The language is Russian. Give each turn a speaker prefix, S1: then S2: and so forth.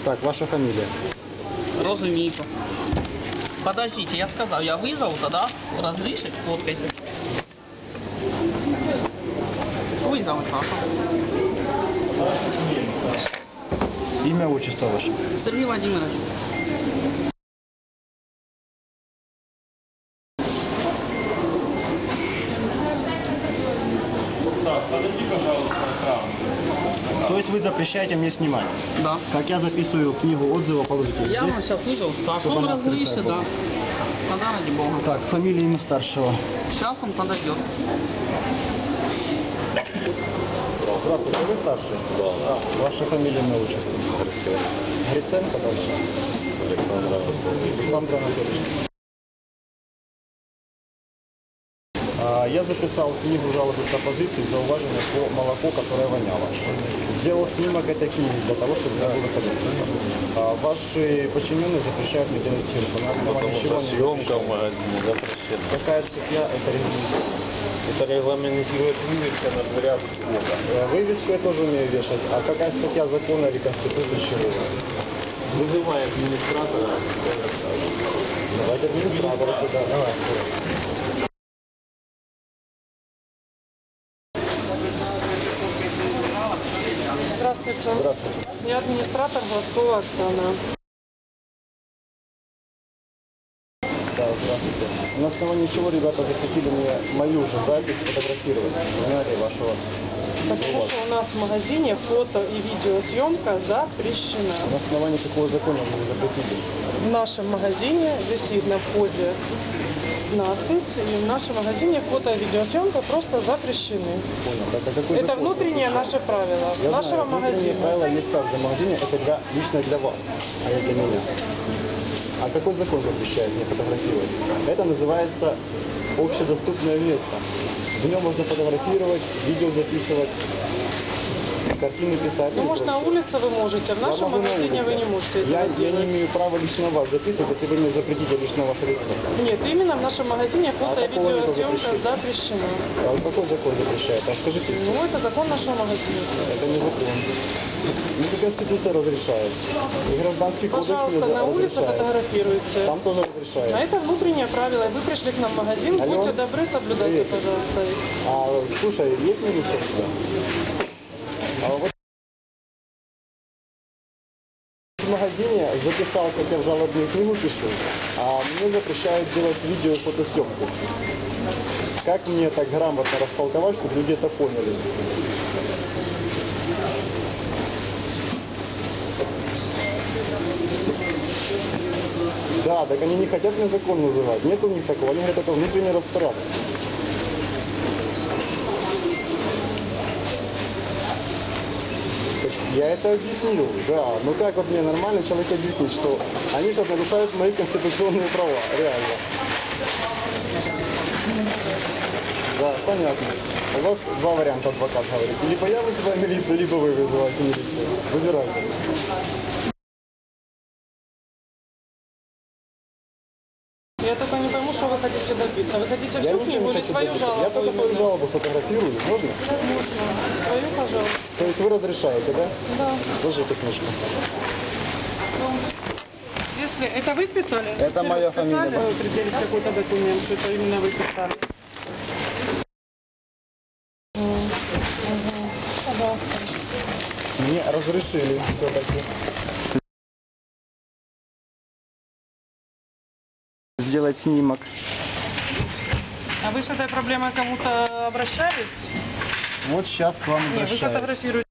S1: Так, ваша фамилия?
S2: Розумійко. Подождите, я сказал, я вызову тогда, разрешить, фоткайте. Вызову, Саша.
S1: Имя, отчество ваше?
S2: Сергей Владимирович.
S3: Саш, подойди, пожалуйста, экран.
S1: То есть вы запрещаете мне снимать?
S2: Да.
S1: Как я записываю книгу отзыва, положите
S2: Я
S1: здесь?
S2: вам сейчас вызову, Сашу,
S1: Чтобы
S2: он
S1: она открытая
S2: разрешит,
S1: была.
S2: да. Тогда ради бога.
S1: Так, фамилия имя старшего.
S2: Сейчас он подойдет.
S1: Здравствуйте, вы старший?
S3: Да.
S1: Ваша фамилия, имя, отчество?
S3: Гриценко.
S1: Гриценко дальше?
S3: Александр Анатольевич.
S1: Александр Анатольевич. Я записал книгу жалобы пропозиций за уважение по молоку, которое воняло. Сделал снимок этой книги для того, чтобы не было выходить. Ваши подчиненные запрещают мне делать съемку. На основании
S3: Потому
S1: чего
S3: что
S1: они
S3: съемка в
S1: запрещают?
S3: магазине запрещена.
S1: Какая статья это регламентирует?
S3: Это регламентирует вывеска на дверях входа.
S1: Вывеску я тоже умею вешать. А какая статья закона или конституции чего?
S3: Вызывай администратора.
S1: Давайте администратора сюда. Давай.
S4: Здравствуйте.
S1: Здравствуйте.
S4: Я администратор Глазкова Оксана.
S1: Да, здравствуйте. На основании чего ребята захотели мне мою же запись фотографировать? Сценарий вашего.
S4: Потому что у нас в магазине фото и видеосъемка запрещена.
S1: На основании какого закона вы запретили?
S4: В нашем магазине висит на входе надпись, и в нашем магазине фото и видеосъемка просто запрещены.
S1: Понял. Так, а какой
S4: Это
S1: закон
S4: внутреннее
S1: запрещает?
S4: наше правило
S1: Я
S4: нашего
S1: знаю, внутренние
S4: магазина.
S1: правила есть в каждом магазине, это лично для вас, а не для меня. А какой закон запрещает мне фотографировать? Это называется общедоступное место. В нем можно фотографировать, видео записывать, картины писать.
S4: Ну,
S1: и
S4: может, на
S1: прочее.
S4: улице вы можете, в
S1: Я
S4: нашем
S1: могу на
S4: магазине вы
S1: улице.
S4: не можете
S1: Я
S4: этого
S1: не
S4: делать.
S1: имею права лично вас записывать, если вы мне запретите лично ваше лицо.
S4: Нет, именно в нашем магазине фото и
S1: такого нету
S4: видеосъемка
S1: запрещения.
S4: запрещена.
S1: А какой закон запрещает? Расскажите.
S4: Ну, это закон нашего магазина.
S1: Это не закон. Ну, Конституция разрешает. И гражданский кодекс
S4: Пожалуйста, на улице
S1: разрешает.
S4: фотографируйте.
S1: Там тоже
S4: А
S1: разрешает.
S4: это внутреннее правило. Вы пришли к нам в магазин,
S1: Алло.
S4: будьте добры, соблюдайте,
S1: Привет.
S4: пожалуйста.
S1: А, слушай, есть минус сюда? А вот в магазине записал, как я в жалобную книгу пишу, а мне запрещают делать видео и фотосъемку. Как мне так грамотно растолковать, чтобы люди это поняли? Да, так они не хотят мне закон называть. Нет у них такого. Они говорят, это внутренний распорядок. Я это объяснил, да. Ну как вот мне нормально человек объяснить, что они сейчас нарушают мои конституционные права, реально. Да, понятно. У вас два варианта, адвокат говорит. Либо я вызываю милицию, либо вы вызываете милицию. Выбирайте.
S4: Я только не пойму, что вы хотите добиться. Вы хотите
S1: Я
S4: всю
S1: ничего
S4: книгу
S1: не
S4: или
S1: хочу
S4: свою
S1: добиться.
S4: жалобу?
S1: Я только свою
S4: именно?
S1: жалобу фотографирую, можно?
S4: Можно. Свою, пожалуйста.
S1: То есть вы разрешаете, да?
S4: Да.
S1: Держите книжку.
S4: Если это вы писали?
S1: Это
S4: Если
S1: моя
S4: вы писали,
S1: фамилия.
S4: вы предъявите какой-то документ, что это именно вы писали. Пожалуйста.
S1: Мне разрешили все-таки сделать снимок.
S4: А вы с этой проблемой к кому-то обращались?
S1: Вот сейчас к вам
S4: Нет, вы
S1: обращаюсь.
S4: фотографируете.